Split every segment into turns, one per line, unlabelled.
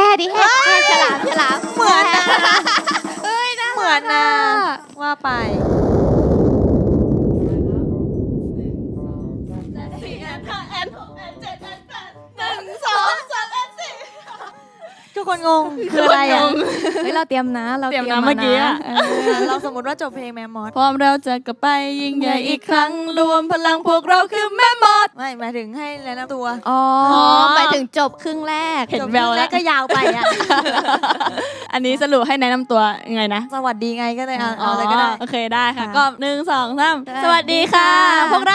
ดิแฮกฉลาม
เหมือนนะเหมือนนะว่าไปทุกคนงงคืออะไรอ่ะ
เฮ้ยเราเตรียมนะเราเตรียมนะ
เมื่อกี้อะ
เราสมมติว่าจบเพลงแมมมอส
พร้อมเราจะกลับไปยิ่งใหญ่อีกครั้งรวมพลังพวกเราคือแม่มด
ไม่หมายถึงให้แนะนำตัว
อ๋อไปถึงจบครึ่งแรก
เห็นแววแล้ว
ก็ยาวไปอ่ะ
อันนี้สรุปให้แนะนำตัวยังไงนะ
สวัสดีไงก็เลยเอาอะไรก็ได้
โอเคได้ค่ะก็1 2 3สวัสดีค่ะพวกเรา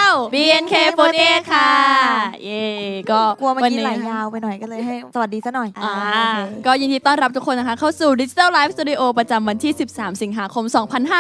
BNK48 ค่ะเย่ก็
กลัวเมื่อกี้ไหลยาวไปหน่อยก็เลยให้สวัสดีซะหน่อย
ก็ยินดีต้อนรับทุกคนนะคะเข้าสู่ Digital Live Studio ประจำวันที่13สิงหาคม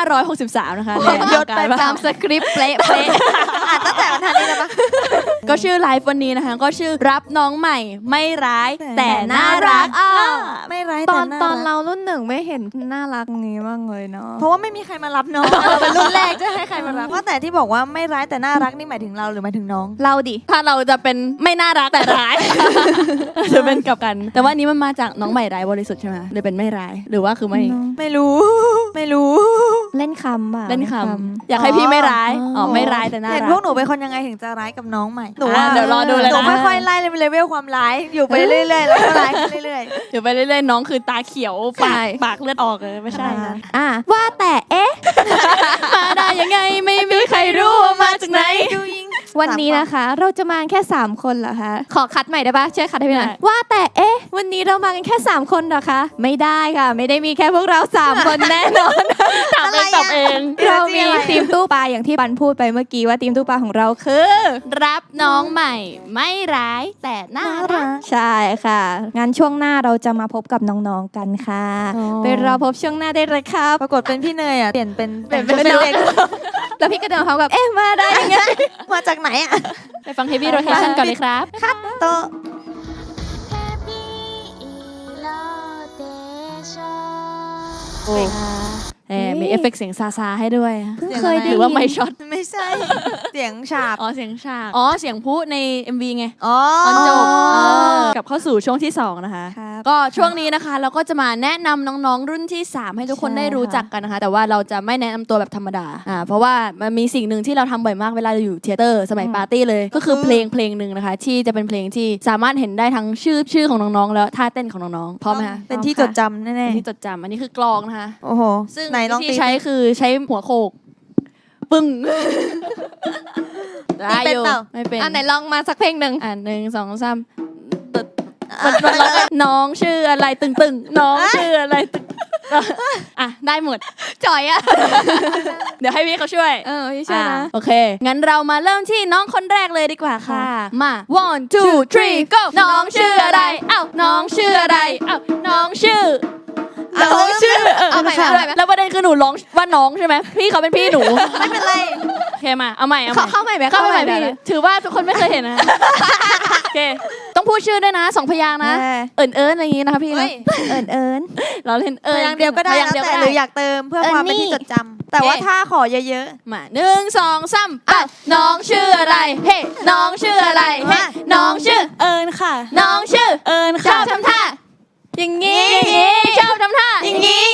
2563นะคะ
ยศไปตามสคริปต์เป๊ะ
อ่านตั้งแต่วันทันนี้แล้วปะ
ก็ชื่อไลฟ์วันนี้นะคะก็ชื่อรับน้องใหม่ไม่ร้ายแต่น่ารัก
ไม่ร้าย
ตอนเรารุ่นหนึ่งไม่เห็นน่ารักงี้บ้างเลยเนาะ
เพราะว่าไม่มีใครมารับน้องเราเป็นรุ่นแรกจะให้ใครมารับว่าแต่ที่บอกว่าไม่ร้ายแต่น่ารักนี่หมายถึงเราหรือหมายถึงน้อง
เราดิ
ถ้าเราจะเป็นไม่น่ารักแต่ร้ายจะเป็นกลับกันแต่ว่านี้มันมาจากน้องใหม่ร้ายบริสุทธิ์ใช่ไหมเลยเป็นไม่ร้ายหรือว่าคือ
ไม่รู้
เล่นคำป่ะ
เล่นคำอยากให้พี่ไม่ร้ายไม่ร้ายแต่น่ารัก
เห็นพวกหนูเป็นคนยังไงถึงจะร้ายกับน้องใหม่หนูว่า
เดี๋ยวรอดูเลยนะ
หนูค่อยๆไล่เลเวลความร้ายอยู่ไปเรื่อยๆแล้วก็ร้ายเรื่อย
ๆอยู่ไปเรื่อยๆน้องคือตาเขียวปากเลือดออกเลยไม่ใช่นะ
ว่าแต่
มาได้ยังไงไม่มีใครรู้ว่ามาจากไหน
วันนี้นะคะเราจะมาแค่3คนเหรอคะขอคัดใหม่ได้ปะช่วยคัดให้พี่หน่อยว่าแต่วันนี้เรามากันแค่3คนเหรอคะไม่ได้ค่ะไม่ได้มีแค่พวกเรา3คนแน่นอน
ถามเอง
เรามีทีมตู้ปลาอย่างที่บันพูดไปเมื่อกี้ว่าทีมตู้ปลาของเราคือ
รับน้องใหม่ไม่ร้ายแต่น่ารัก
ใช่ค่ะงั้นช่วงหน้าเราจะมาพบกับน้องๆกันค่ะไปรอพบช่วงหน้าได้เลยครับ
ปรากฏเป็นพี่เนยอ่ะเปลี่ยนเป็นเล็ก
แล้วพี่ก็เดินเขากับมาได้ยังไง
มาจากไหนอ่ะ
ไปฟัง Heavy Rotation ก่อนเลยครับ
คัตโต
มีเอฟเฟกต์เสียงซาให้ด้วย
เคยได้
หรือว่าไม่ช็อต
ไม่ใช่เสียงฉาบ
เสียงฉาบเสียงพูดใน MV ไง
ต
อนจบกลับเข้าสู่ช่วงที่2นะคะก็ช่วงนี้นะคะเราก็จะมาแนะนำน้องๆรุ่นที่3ให้ทุกคนได้รู้จักกันนะคะแต่ว่าเราจะไม่แนะนำตัวแบบธรรมดาเพราะว่ามันมีสิ่งหนึ่งที่เราทำบ่อยมากเวลาอยู่เทเตอร์สมัยปาร์ตี้เลยก็คือเพลงหนึ่งนะคะที่จะเป็นเพลงที่สามารถเห็นได้ทั้งชื่อของน้องๆแล้วท่าเต้นของน้องๆพร้อมไหมคะ
เป็นที่จดจำแน่ๆ
เป็นที่จดจำอันนี้คือกลองนะคะ
โอ้โห
ซึ่งที่ใช้คือใช้หัวโขกปึ้ง
ได้อยู่
ไม่เป็น
ไหนลองมาสักเพลงหนึ่ง
1 2 3น้องชื่ออะไรตึงน้องชื่ออะไรตึงได้หมด
จ่อย
เดี๋ยวให้พี่เขาช่วย
พี่ช่วยนะ
โอเคงั้นเรามาเริ่มที่น้องคนแรกเลยดีกว่าค่ะมา 1 2 3 go น้องชื่ออะไรน้องชื่ออะไรน้องชื่อ
เอาใหม่
แล้วประเด็นคือหนูร้องว่าน้องใช่ไหมพี่เขาเป็นพี่หนู
ไม่เป็นไร
โอเคมาเอาใหม่
เข้าใหม่
พี่ถือว่าทุกคนไม่เคยเห็นนะโอเคต้องพูดชื่อด้วยนะ2พยางค์นะเอิญอะไรอย่างงี้นะคะพี่
เอิญ
เราเล่น
อย่างเดียวก็ได้แล้วแต่หรืออยากเติมเพื่อความเป็นที่จดจำแต่ว่าถ้าขอเยอะ
ๆมา1 2 3น้องชื่ออะไรเฮ้น้องชื่ออะไรเฮ้น้องชื่อ
เอิญค่ะ
น้องชื่อ
เอิญ
ค่ะชอบทำท่าอย่างงี้ชอบทำท่า
อย่างงี้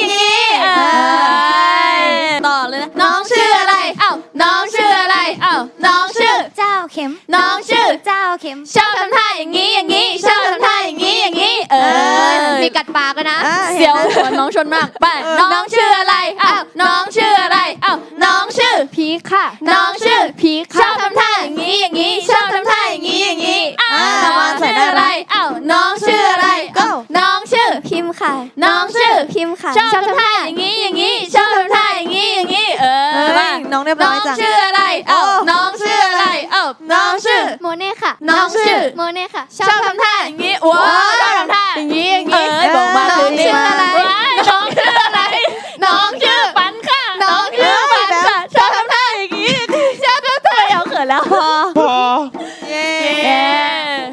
ต่อเลยนะน้องชื่ออะไรน้องชื่ออะไรน้องชื่อ
เจ้าเข็ม
น้องชื่อ
เจ้าเข็ม
ชอบทำท่าอย่างงี้ชอบทำท่าอย่างงี้
มีกัดปากกันนะ
เสียวหัวน้องชนมากไปน้องชื่ออะไรน้องชื่ออะไรน้องชื่อ
พีค่ะ
น้องชื่อพีชอบทำท่าอย่างงี้ชอบทำท่าอย่างงี้น้องชื่ออะไรน้องชื่ออะไรน้องชื่อ
พิมค่ะ
น้องชื่อ
พิมค่ะ
ชอบทำท่าอย่างงี้ชอบทำท่าอย่างงี้
น้องเรียบร้อยจัง
น้องชื่ออะไรน้องชื่ออะไรน้องชื่อ
โมเน่ค่ะ
น้องชื่อ
โมเน่ค่ะ
ชอบทำท่าอย่างงี้ว้าวชอบทำท่าอย่างงี้บอกมา
น้องชื่ออะไร
น้องชื่ออะไรน้องชื่อปันค่ะน้องชื่อปันค่ะชอบทำท่าอย่างงี้ชอบทำท่าเอาเขินแล้วพอ
เย้
เอาผ้า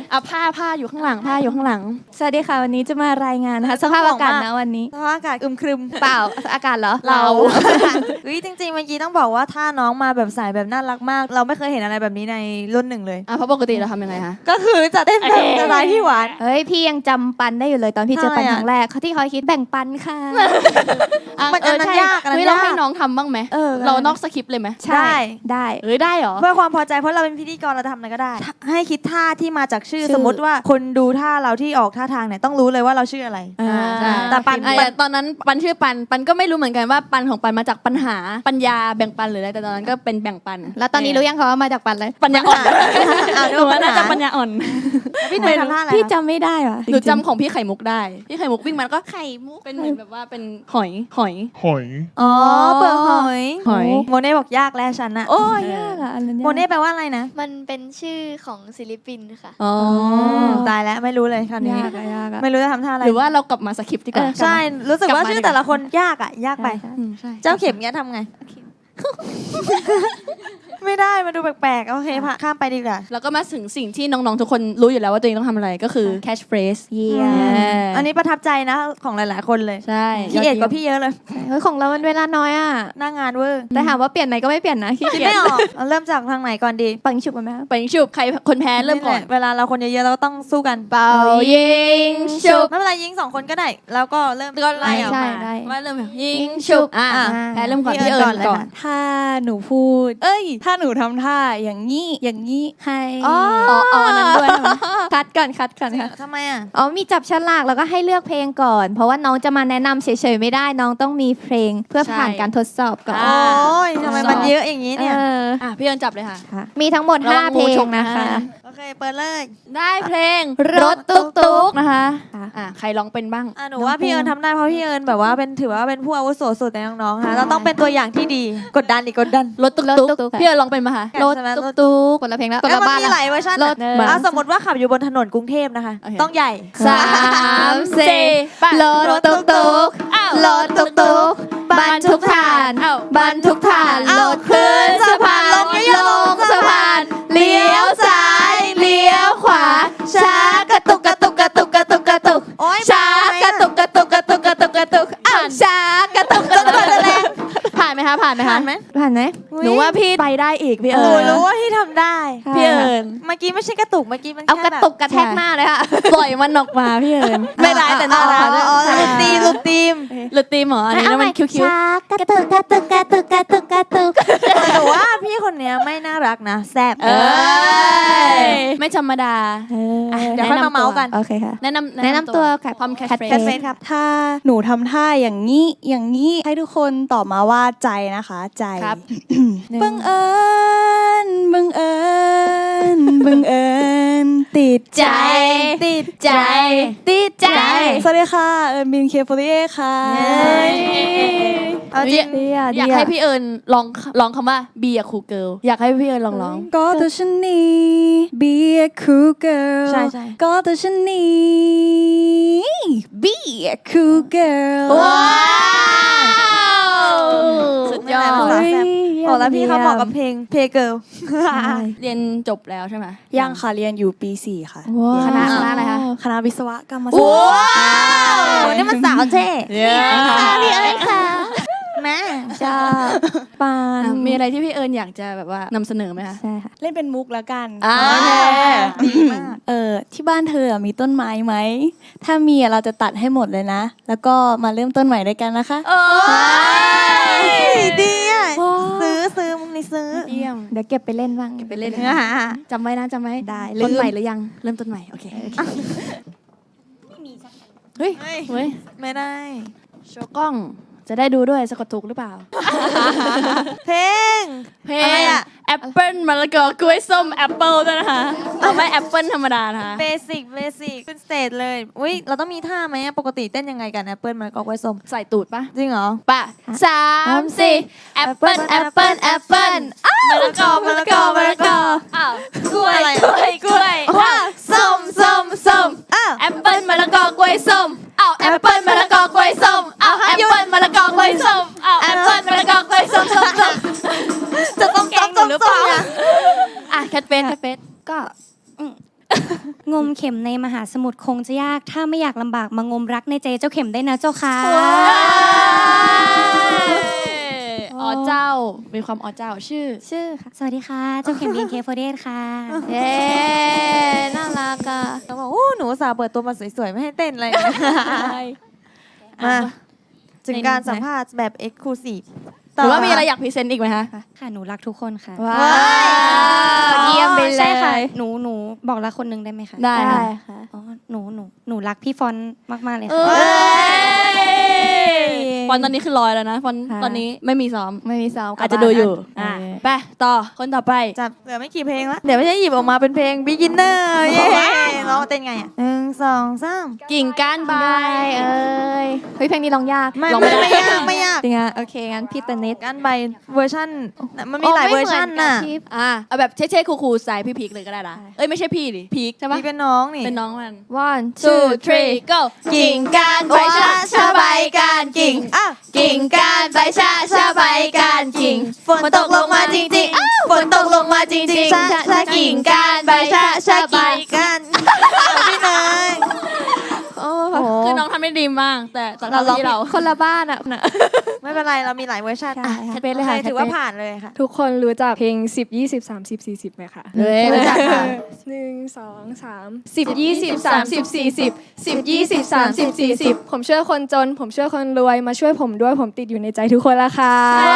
ผ้าอยู่ข้างหลังผ้าอยู่ข้างหลัง
สวัสดีค่ะวันนี้จะมารายงานนะคะสภาพอากาศนะวันนี้
สภาพอากาศอึมครึม
เปล่าอากาศเหรอ
เรา เฮ้ยจริงๆเมื่อกี้ต้องบอกว่าถ้าน้องมาแบบสายแบบน่ารักมาก เราไม่เคยเห็นอะไรแบบนี้ในรุ่นหนึ่งเลย
เพราะปกติเราทำยังไงคะ
ก็คือจะเต้นแบบสไตล์พี่หวาน
เฮ้ยพี่ยังจำปันได้อยู่เลยตอนพี่เจอปัน
ใช่อะ
ครั้งแรกเขาที่คอยคิดแบ่งปันค่ะ
มันอันนั้นยากอันนั้น
เฮ้ยเรา
ยาก
ให้น้องทำบ้างไหม เรานอกสคริปต์เลยไหม
ใช่ได้
ได้เหรอ
เพื่อความพอใจเพราะเราเป็นพิธีกรเราจะทำอะไรก็ได้ ให้คิดท่าที่มาจากชื่อ
ชื่อ
สมมติว่าคนดูท่าเราที่ออกท่าทางเนี่ยต้องรู้เลยว่าเราชื่ออะไร
ใช่
แต่ปัน
ตอนนั้นปันชื่อปันก็ไม่รู้เหมือนกันว่าปันของปันมาจากปัญหาปัญญาแบ่งปันหรืออะไรแต่ตอนนั้นก็เป็นแบ่งปัน
แล้วตอนนี้รู้ยังคะว่ามาจากปันเลย
ปัญญาอ่อน
อ่ะ
หนูว่าน่าจะปัญญาอ่อน
พี่หนุ่ยทำท่าอะไร
พี่
คะ
จำไม่ได้ว่ะ
หนูจำของพี่ไข่มุกได้พี่ไข่มุกวิ่งมันก็ไข่มุกเป็นเหมือนแบบว่าเป็นหอย
อ๋อเปลือกหอย
หอย
โมเน่บอกยากแล้วฉันนะ
โอ้ยยากอ่ะอันนั้นยาก
โมเน่แปลว่าอะไรนะ
มันเป็นชื่อของศิลปินค่ะ
อ๋อ
ตายแล้วไม่รู้เลยคราวนี้
ยากอะยากอะ
ไม่รู้จะทำท่าอะไร
หรือว่าเรากลับมาสคริปต์ดีกว่า
ใช่รู้สึกว่า
ลับมา
ชื่อ
ดีกว่า
แต่ละคนยากอ่ะยากไป
ใช่
ใช่
เจ้าเข็มเนี้ยทำไง ไม่ได้มาดูแปลกๆโอเคผ่าข้ามไปดีกว่า
แล้วก็มาถึงสิ่งที่น้องๆทุกคนรู้อยู่แล้วว่าตัวเองต้องทำอะไรก็คือ catch phrase
เยี่ยม
อันนี้ประทับใจนะของหลายๆคนเลย
ใช่
พี่เอ็ดกว่าพี่เยอะเลย
เฮ้ยของเรามันเวลาน้อยอ่ะ
หน้างานเวอร์
แต่ถามว่าเปลี่ยนไหมก็ไม่เปลี่ยนนะขี้
คิด
เกียจ
ไม่ออกเอาเริ่มจากทางไหนก่อนดี
ปังฉุบกันไหมคะ
ไปยิงฉุบใครคนแพ้เริ่มก่อน
เวลาเราคนเยอะๆเราก็ต้องสู้กัน
เป่ายิงฉุบ
ไม่เป็นไรยิง2 คนก็ได้ แล้วก็เริ่ม
ก็ไล่ออก
ใช่
มา
ได้
ว่าเริ่มแบบยิงฉุบแพ้เริ่มก่อนพี่เอิญก่อน
ถ้าหนูพูด ถ้าหนูทำท่าอย่างนี้ให้
อ๋ออันนั้นด้วยใช่ไหมคัดก่อนค่ะ
ทำไมอ่ะ
อ๋อมีจับฉลากแล้วก็ให้เลือกเพลงก่อน เพราะว่าน้องจะมาแนะนำเฉยๆไม่ได้น้องต้องมีเพลงเพื่อผ่านการทดสอบก่อน
โอ้ยทำไมมันเยอะอย่างนี้เนี่ย
พี่เอิญจับเลยค่ะ
ค่ะมีทั้งหมด
ระวัง
5 เพล
งูฉ
ง
ก
นะคะ
นะ
โอเคเปิดเลย
ได้เพลง
รถตุ๊กๆ
นะคะ
ค่ะ
ใครร้องเป็นบ้าง
หนูว่าพี่เอิญทำได้เพราะพี่เอิญแบบว่าเป็นถือว่าเป็นผู้อาวุโสสุดในน้องๆค่ะเราต้องเป็นตัวอย่างที่ดีกดดันอีกกดดัน
รถตุ๊กๆพี่เอิญร้องเป็นปะคะ
รถตุ๊กๆคนละเพลงแล้วคนละบ้าน
มีหลายเวอร์ชัน
รถ
สมมติว่าขับอยู่บนถนนกรุงเทพนะคะ
โอเค
ต้องใหญ่
3 4รถตุ๊กๆรถตุ๊กๆบรรทุกถ่านบรรทุกถ่านรถขึ้นสะพานลงสะพานเลี้ยวซ้ายเลี้ยวขวาช้ากระตุกกระตุกกระตุกกระตุกกระตุก
โอ๊ย
ช้ากระตุกกระตุกกระตุกกระตุกกระตุกอ้าวช้ากระตุกกระตุกกระตุก
ผ่านไหมคะผ่านไหม
ผ่า
คะ
นไหม
ผ่านไหม
หนูว่าพี่ไปได้อีกพี่
ห
เอิ
นู
ญ
รู้ว่าที่ทำได้
พี่เอิญ
เมื่อกี้ไม่ใช่กระตุกเมื่อกี้มัน
เอา
แค่
กระตุกกระแทกหน้าเลยค่ะ
ปล่อยมันออกมาพี่เอิญไม่ร้ายแต่น่ารัก
อ๋อลูกตีมลูกตีม
หรือตีมเหรออันนี้แล้วมันคิ้ว
ช้ากระตุกกระตุกกระตุกกระตุกกระตุก
แต่ว่าพี่คนเนี้ยไม่น่ารักนะแซ่บ
ๆเอ้ยไม่ธรรมดา
เดี๋ยวค่อยมาเมาส์กัน
โอเคค่ะ
แนะนำ
ตัว
ความแคช
Catchphrase
เฟ
เฟ
ส
ซครับ
ถ้าหนูทำท่าอย่างนี้ให้ทุกคนตอบมาว่าใจนะคะ ใจ
ครับ
บังเอิญติด
ใจติดใจติดใจ
สวัสดีค่ะเอิญบินเคโฟเอค่ะ
เอาจริง
อยากให้พี่เอิญลองคำว่า be a cool girl อยากให้พี่เอิญลอง
ก็ตัวฉันนี้ be a cool girl
ใช่
ก็ตัวฉันนี้ be a cool girl
ว้าว สุดยอด
ภาษาแซ่บบอกแล้วพี่เขาเหมาะกับเพลงเพเกิล
เรียนจบแล้วใช่ไหม
ยังค่ะเรียนอยู่ปี 4 ค่ะ
คณะอะไรคะ
คณะวิศวกรรมศาสตร์
ว้าวนี่มันสาวเท่
พี่เอ้ยค่ะ
แม่
ชอบปาน
มีอะไรที่พี่เอิญอยากจะแบบว่านำเสนอไหมคะ
ใช่ค่ะ
เล่นเป็นมุกแล้วกัน
ดีมาก
ที่บ้านเธอมีต้นไม้ไหม ถ้ามีเราจะตัดให้หมดเลยนะ แล้วก็มาเริ่มต้นใหม่ด้วยกันนะคะ
ดีอ่ะซื้อมึงนี่ซื้อ
เยี่ยม
เดี๋ยวเก็บไปเล่นบ้าง
ไปเล่นจำไว้นะจำไว้
ได้
ต้นใหม่หรือยัง เริ่มต้นใหม่ โอเคเฮ้ย เฮ้ย
ไม่ได้
โชว์กล้อง จะได้ดูด้วยสะกดถูกหรือเปล่า
เพลง
เพล
อะไร
ง
อะ
แอปเปิ้ลมะละกอกล้วยส้มแอปเปิ้ลด้วยนะคะเอาไม่แอปเปิ้ลธรรมดานะคะ
เบสิกขึ้นสเตจเลย อุ้ยเราต้องมีท่าไหมอะปกติเต้นยังไงกันแอปเปิลมันก็ไว้ส้ม
ใส่ตูดปะ
จริงเหรอ
ปะ3 4แอปเปิ้ลแอปเปิ้ลแอปเปิ้ลมะละกอมะละกอมะละกออ้าวกล้วย
อะไร
กล้วยกล้วย
ว้าว
ส้ม
อ้าว
แอปเปิ้ลมะละกอกล้วยส้มอ้าวแอปเปิ้ลมะละกอกล้วยส้มอ้าวแอปเปิ้ลมะละกอกล้วยส้มอ้าวแอปเปิ้ลมะละกอกล้วยส้มส้ม
จะต้องแกงหรือเปล่า
อ่ะแคทเฟส
ก็
งมเข็มในมหาสมุทรคงจะยากถ้าไม่อยากลำบากมางมรักในใจเจ้าเข็มได้นะเจ้าค่ะ
อ๋อเจ้ามีความอ๋อเจ้าชื่อ
ค่ะสวัสดีค่ะเจ้าเข็ม BNK48 ค่ะ
เย้น่ารักอ่ะ
เราบอกโอ้หนูอุตสาห์เปิดตัวมาสวยๆ ไม่ให้เต้นอะไรเลย มาถึงการสัมภาษณ์แบบ Exclusive
หรือว่ามีอะไรอยากพรีเซนต์อีกไหมคะ
ค่ะหนูรักทุกคนค่ะ
ว้าวเยี่ยมไปเล
ใช่ค่ะ
ย
หนูบอกรักคนหนึงได้ไหมคะ
ได้
ได้
ค่ะ
ค่ะ
อ๋อหนูรักพี่ฟอนต์มากๆเลย
เอ้
ค่ะ
ยฟอนตอนนี้คือลอยแล้วนะฟอน
ค่ะ
ตอนนี้ไม่มีซ้อม
ไม่มีซ้อมกลับ
อาจจะดูอยู่
บ้าน
ไปต่อคนต่อไป
จับเหลือไม่กี่เพลงแล้ว เดี๋ยวไม่ใช่หยิบออกมาเป็นเพลง Beginner เย้ร้องเต้นไงอ่ะ1 2 3
กิ่งก้านใบ
เอ้ยเฮ้ยเพลงนี้ร้องยาก
ไม่
ลองไม่ได้
ไม่ยากไม่ยาก
จริงอ่ะโอเคงั้นพี่เตนนิด
การใบเวอร์ชันมันมีหลายเวอร์ชันน่ะ
เอาแบบเช่ๆคูลๆสายพี่พีคเลยก็ได้นะเอ้ยไม่ใช่พี่ดิพีคใช่ปะ
พี่เป็นน้องนี่
เป็นน้องมัน
one
2 3 go กิ่งก้านใบชะใบก้านกิ่ง
อ่ะ
กิ่งก้านใบชะใบก้านกิ่ง
ฝนตกลงมาจริงๆฝนตกลงมาจริงๆ
กิ่งก้านใบชะใบ
กันพี่เนย
โอ้
คือน้องทำได้ดีมากแต่สำหรับที่เรา
คนละบ้านอ่ะ
ไม่เป็นไรเรามีหลายเวอร์ชัน
ใช่ค่ะ
โอเคถือว่าผ่านเลยค่ะ
ทุกคนรู้จักเพลง 10 20 30 40ไหมคะ
เฮ้ยรู้จักค่ะ
1 2 3 10 20 30 40 10 20 30 40 ผมช่วยคนจน ผมช่วยคนรวย มาช่วยผมด้วย ผมติดอยู่ในใจทุกคนละค่ะ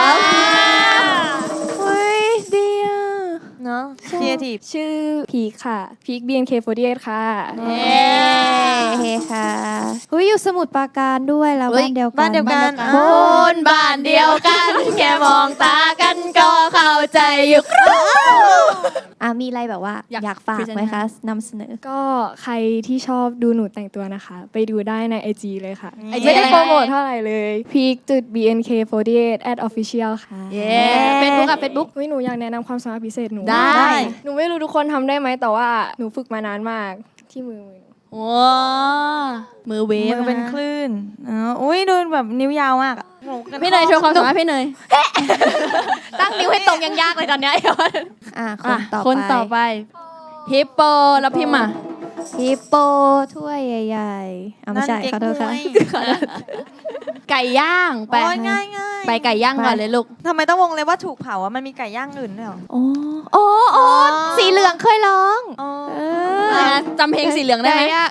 เฮ้ยดีอ่ะ
เนาะครีเอทีฟ
ชื่อพีคค่ะ พีค BNK48 ค่ะ
เฮ้ค่ะเฮ้ยอยู่สมุทรปราการด้วยแล้ว
เฮ้ย
บ้านเดียวกัน
บ้านเดียวกัน
คนบ้านเดียวกัน แค่มองตากันก็เข้าใจอยู่
มีอะไรแบบว่า
อยาก
อยากฝากไหมคะนำเสนอ
ก็ใครที่ชอบดูหนูแต่งตัวนะคะ ไปดูได้ใน IG เลยค่ะ
IG
ไม่ได้
อะไร
โปรโมทเท่าไหร่เลย peak.bnk48 @official ค่ะ
เย้เฟซบุ๊กอะเฟซบุ๊ก
เฮ้ยหนูอยากแนะนำความสามารถพิเศษหนู
ได้
หนูไม่รู้ทุกคนทำได้ไหมแต่ว่าหนูฝึกมานานมากที่มือหนู
ว้ามือเวฟ
มือเป็นคลื่นอุ้ยดูแบบนิ้วยาวมากอะ
พี่เนยโชว์ความสามารถพี่เนย
ตั้งนิ้วให้ตรงยังยากเลยตอนเนี้ยคนต่อไป
ฮิปโปแล้วพิมพ์อ่ะ
ฮิปโปถ้วยใหญ่ๆไม่ใช่ขอโทษค่ะ
ไก่ย่างไป
โอ้ยง่ายง่าย
ไปไก่ย่างก่อนเลยลูก
ทำไมต้องวงเลยว่าถูกเผาอ่ะมันมีไก่ย่างอื่นด้วยเหรอ
โอ้สีเหลืองเคยร้อง
อ๋อ
จำเพลงสีเหลืองได้ไหม
ไก่ย่าง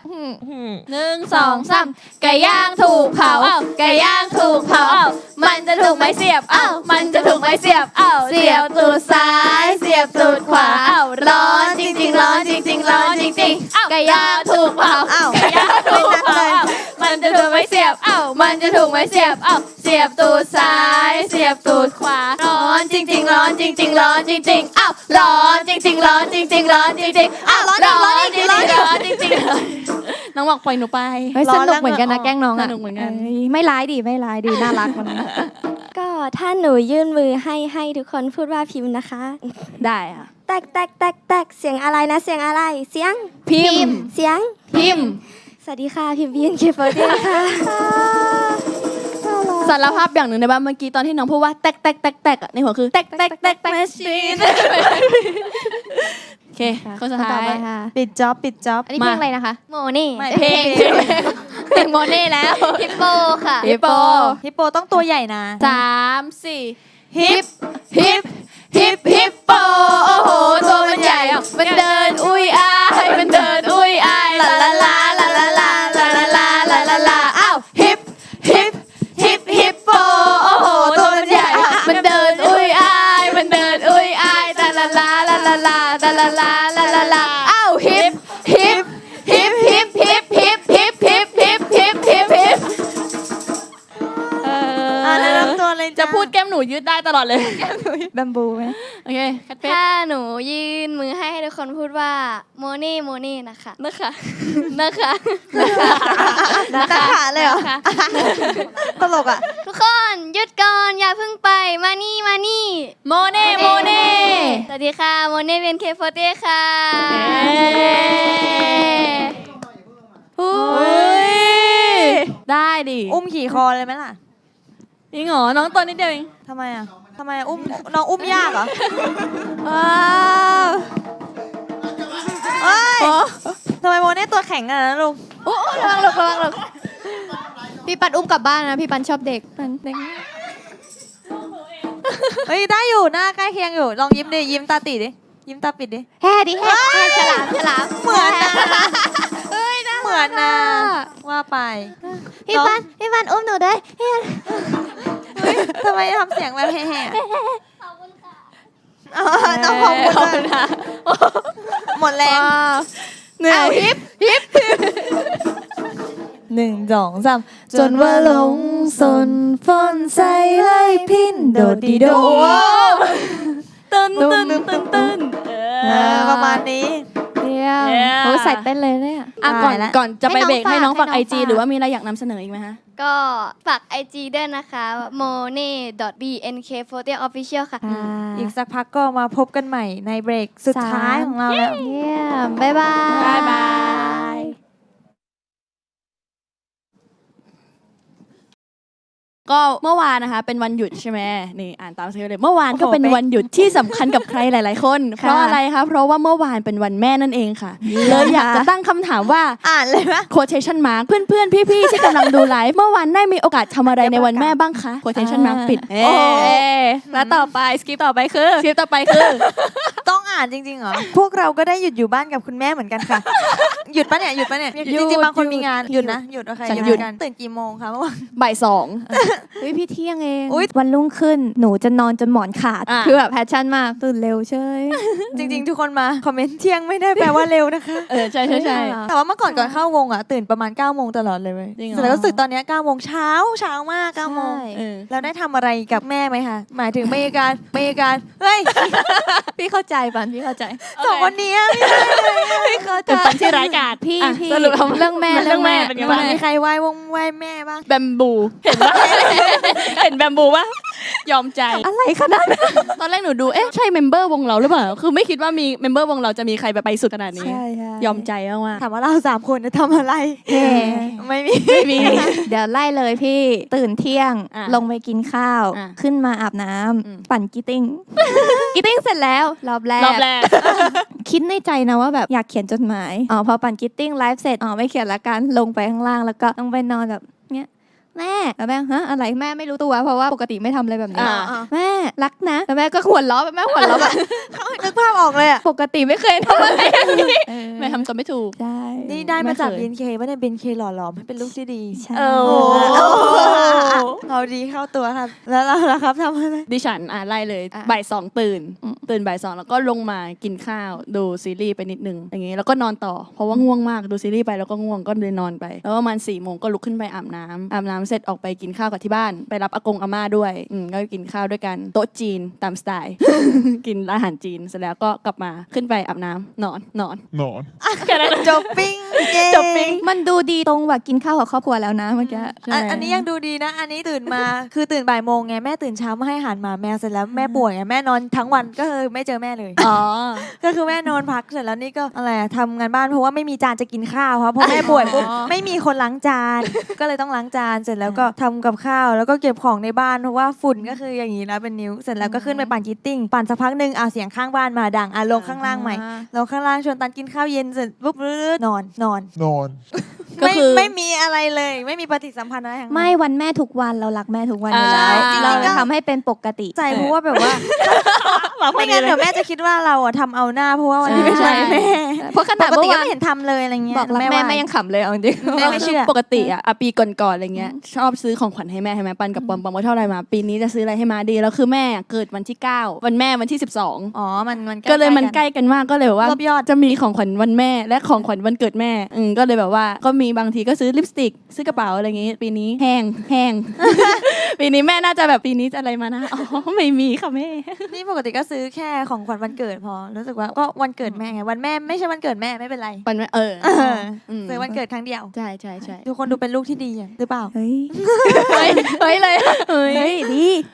1 2 3ไก่ย่างถูกเผาไก่ย่างถูกเผามันจะถูกไม้เสียบมันจะถูกไม้เสียบเสียบตูดซ้ายเสียบตูดขวาร้อนจริงๆร้อนจริงๆร้อนจริงๆไก่ย่างถูกเผา
อ้าว
ไก่ย่างถูกเผามันจะถูกไม้เสียบมันจะถูกไม้เสียบเสียบตูดซ้ายเสียบตูดขวาร้อนจริงๆร้อนจริงๆร้อนจริงๆร้อนจริงๆร้อนจริงๆร้อนจริงๆร้อนจริงๆร้อนจริงๆน้องบอกปล่อยหนูไป
เฮ้ยสนุกเหมือนกันนะแกล้งน้องอ่ะ
สนุกเหมือนกัน
ไม่ร้ายดีไม่ร้ายดีน่ารักมัน
ก็ถ้าหนูยื่นมือให้ทุกคนพูดว่าพิมพ์นะคะ
ได้ค่ะ
แตกแตกแตกแตกเสียงอะไรนะเสียงอะไรเสียง
พิมพ์
เสียง
พิมพ์
สวัสดีค่ะพิมพ์ BNK48 ค่ะ
สารภาพอย่างหนึ่งในบ้านเมื่อกี้ตอนที่น้องพูดว่าแตกแตกแตกแตกในหัวคือแตกแตกแตกแตกแมชชีนโอเคคนสุดท้าย
ค่ะ
ปิดจ็อบปิดจ็อบ
อันนี้เพลงอะไรนะคะ
โมนี่
ไม่
เพลงเพลงโมเน่แล้ว
ฮิปโปค่ะ
ฮิปโป
ฮิปโปต้องตัวใหญ่นะ
3 4ฮิปฮิปโปโอ้โหตัวมันใหญ่มันเดินอุ้ยอายมันเดินอุ้ยอายลาลาลาลาลาลาลาลาลาลาลาลาอ้าวฮิปโปโอ้โหตัวมันใหญ่มันเดินอุ้ยอายมันเดินอุ้ยอายลาลาลาลาลาลาลาลาลาลาลาลาอ้าวฮิป
แนะนำตัวเลย
จะพูดแก้มหนูยืดได้ตลอดเลย
แบมบูไหม
โอเคคัดเพชร
ถ้าหนูยื่นมือให้ทุกคนพูดว่าโมนี่นะคะนะคะนะคะ
นักขาเลยเหรอตลกอ่ะ
ทุกคนหยุดก่อนอย่าเพิ่งไปมานี่
โมเน่
สวัสดีค่ะโมเน่เป็นBNK48ค่ะ
ได้ดิ
อุ้มขี่คอเลยไหมล่ะ
จริงเหรอน้องตัวนิดเดียวเอง
ทำไมอ่ะอุ้มน้องอุ้มยากเหรอเอ้ยทำไมโมเน่ตัวแข็งขนาดนั้นลูก
ระวังลูกระวังลูกพี่ปันอุ้มกลับบ้านนะพี่ปันชอบเด็ก
เฮ้ยได้อยู่หน้าใกล้เคียงอยู่ลองยิ้มดิยิ้มตาตีดิยิ้มตาปิดดิ
แฮ่ดิแฮ่ฉลามฉลาม
เหมือนนะเหมือนนะว่าไป
พี่ปันอุ้มหนูด้วย
เฮ้ยทำไมทำเสียงแบบแห่ๆต้องขอบคุณนะหมดแรง
เหนื่อย
1 2 3จนว่าหลงสนฝนใส่ให้พินโดดดีโด
ตึ้น
ประมาณนี้
เยี่ยม
Yeah
โอ้ยใส่เต้นเลยเนี่ย
อ่ะก่อนจะไปเบรกให้น้องฝาก
ให้น้อง
IG
ฝาก
หรือว่ามีอะไรอยากนำเสนออีกไหมคะ
ก็ฝาก IG ด้วยนะคะ monet.bnk40official ค่ะ
อีกสักพักก็มาพบกันใหม่ในเบรกสุดท้ายของเราแล้ว
เยี่ยมบ๊ายบาย
บ๊ายบาย ก็เมื่อวานนะคะเป็นวันหยุดใช่ไหมนี่อ่านตามสคริปต์เลยเมื่อวานก็เป็นวันหยุดที่สำคัญกับใครหลาย ๆ คน เพราะอะไรคะเพราะว่าเมื่อวานเป็นวันแม่นั่นเองค่ะเลยอยากจะตั้งคำถามว่า
อ่านเลยปะ
quotation mark เพื่อนๆ พี่ๆ ที่กำลังดูไลฟ์เมื่อวานได้มีโอกาสทำอะไรในวันแม่บ้างคะ quotation mark ปิด
โอ้แล้วต่อไปสกิปต่อไปคือ
คลิปต่อไปคือ
ต้องอ่านจริงๆเหรอ พวกเราก็ได้หยุดอยู่บ้านกับคุณแม่เหมือนกันค่ะ หยุดปะเนี่ย หยุดปะเนี่ย จริงๆ บางคนมีงาน หยุดนะ หยุดโอเค
ฉัน
หยุด
หยุด
กัน ตื่นกี่โมงคะเมื่อวาน
บ่ายสอง
เฮ้ยพี่เที่ยงเอง
อุ๊ย
วันรุ่งขึ้นหนูจะนอนจนหมอนขาด
อ่ะ
คือแบบแพชชั่นมากตื่นเร็วเชย
จริงๆ ทุกคนมาคอมเมนต์เที่ยงไม่ได้แปลว่าเร็วนะคะ
ใช่ใช่ใช่
แต่ว่าเมื่อก่อนเข้าวงอ่ะตื่นประมาณ9โมงตลอดเลยเว้ย
จริงเหรอ
แต่รู้สึกตอนเนี้9โมงเช้ามาก9โมง
เออ
แล้วได้ทำอะไรกับแม่ไหมคะ หมายถึงมีการเฮ้ย
พี่เข้าใจปันพี่เข้าใจ
สองคนนี้ไม่เข้าใจ
เป็นปันที่ร้ายกาจ
พี่
อ่ะ
พี่
สรุปทำ
เรื่องแม่
เรื่องแม่เป็นไงบ้าง
มีใครไหว้วงไหว้แม่บ้าง
แบมบู เห็นปะ เห็นแบมบูปะยอมใจ
อะไรขนาดนั้น
ตอนแรกหนูดู เอ๊ะ ใช่เมมเบอร์วงเราหรือเปล่า คือไม่คิดว่ามีเมมเบอร์วงเราจะมีใครไปสุดขนาดนี้ ยอมใจมาก
ถามว่าเรา3คนจะทำอะไร ไม่มี
ไม่มี
เดี๋ยวไล่เลยพี่ตื่นเที่ยง
อ่ะ
ลงไปกินข้าว
อ่ะ
ขึ้นมาอาบน้ำ
อืม
ปั่นกีติ้ง กีติ้งเสร็จแล้วรอบแรก
รอบแรก
คิดในใจนะว่าแบบอยากเขียนจดหมายพอปั่นกีติ้งไลฟ์เสร็จไม่เขียนละกันลงไปข้างล่างแล้วก็ต้องไปนอนแบบเนี้ยแม่แล้วแม่ฮะอะไรแม่ไม่รู้ตัวเพราะว่าปกติไม่ทำอะไรแบบนี้
อ่า
แม่รักนะแล้วแม่ก็หัวเราะแม่หัวเราะแบบ
นึกภาพออกเลยอ่ะ
ปกติไม่เคยทำอะไรอย่างนี้
ไม่ทำตัวไม่ถูก
ใช่
นี่ได้มาจาก
ไม่เคย
BNK ว่าเนี่ย BNK หล่อหลอมให้เป็นลูกที่ดี
ใช่
เอาดีเข้าตัวครับ แล้วเราล่ะครับทำอะไร
ดิฉันไล่เลยบ่ายสองตื่นบ่ายสองแล้วก็ลงมากินข้าวดูซีรีส์ไปนิดนึงอย่างงี้แล้วก็นอนต่อเพราะว่าง่วงมากดูซีรีส์ไปแล้วก็ง่วงก็เลยนอนไป แล้วประมาณ4 โมงก็ลุกขึ้นไปอาบน้ำเสร็จออกไปกินข้าวกับที่บ้านไปรับอากงอาม่าด้วยก็กินข้าวด้วยกันโต๊ะจีนตามสไตล์ กินอาหารจีนเสร็จแล้วก็กลับมาขึ้นไปอาบน้ำนอนแค่นั้น
จบปิ้งเย้
จบปิ๊ง
มันดูดีตรงว่ากินข้าวกับครอบครัวแล้วนะเมื่อกี้
อันนี้ยังดูดีนะ อันนี้ตื่นมา คือตื่นบ่ายโมงไงแม่ตื่นเช้ามาให้อาหารหมาแมวเสร็จแล้วแม่ป่วยไงแม่นอนทั้งวันก็คือไม่เจอแม่เลย
อ๋อ
ก็คือแม่นอนพักเสร็จแล้วนี่ก็อะไรอะทำงานบ้านเพราะว่าไม่มีจานจะกินข้าวเพราะแม่ป่วยปุ๊บไม่มีคนล้างจาน ก็เลยต้องล้างจานเสร็จแล้วก็ทำกับข้าวแล้วก็เก็บของในบ้านเพราะว่าฝุ่นก็คืออย่างนี้แล้วเป็นนิ้วเสร็จแล้วก็ขึ้นไปปั่นกีตติ้งปั่นสักพักหนึ่งเสียงข้างบ้านมาดังลงข้างล่างใหม่ลงข้างล่างชวนตันกินข้าวเย็นเสร็จปุ๊บนอน
ก็คือ
ไม่มีอะไรเลย ไม่มีปฏิสัมพันธ์อะไรทั้งนั้น
ไม่วันแม่ทุกวันเรารักแม่ทุกวันอยู่แล้ว
จริงๆ
เรา
ก็
จะทำให้เป็นปกติ
ใจเพราะว่าแบบว่าไม่งั้นเดี๋ยวแม่จะคิดว่าเราทำเอาหน้าเพราะว่าวันนี้เป็นวันแม่
เพราะข
ป
นาด
กติ
เมื่อ
ก็
วาน
ไม่เห็นทำเลยอะไรเงี้ย
บอกรักแม่
ว่า
แม่ยังขำเลยเอาจริง
แม่ไม่เชื่อ
ปกติปีก่อนๆอะไรเงี้ยชอบซื้อของขวัญให้แม่ใช่ไหมปันกับปอมว่าเท่าไรมาปีนี้จะซื้ออะไรให้มาดีแล้วคือแม่เกิดวันที่ 9 วันแม่วันที่ 12
อ๋อมัน
ก็เลยมันใกล้กันมากก็เลยแบบว่าร
วบยอด
จะมีของขวัญวันแม่และของขวัญวันเกิดแม่ก็เลยแบบว่าก็มีบางทีก็ซื้อลิปสติกซื้อกระเป๋าอะไรอย่างงี้ ปีนี้แห้ง ปีนี้แม่น่าจะแบบปีนี้จะอะไรมานะอ๋อไม่มีค่ะแม่
นี่ปกติก็ซื้อแค่ของขวัญวันเกิดพอรู้สึกว่าก็วันเกิดแม่ไงวันแม่ไม่ใช่วันเกิดแม่ไม่เป็นไร
ปันแม่ม
ซื้อวันเกิดครั้งเดียว
ใช่
ทุกคนดูเป็นลูกที่ดีหรือเปล่า
เฮ้ย
เฮ้ยเลย
เฮ้ยดี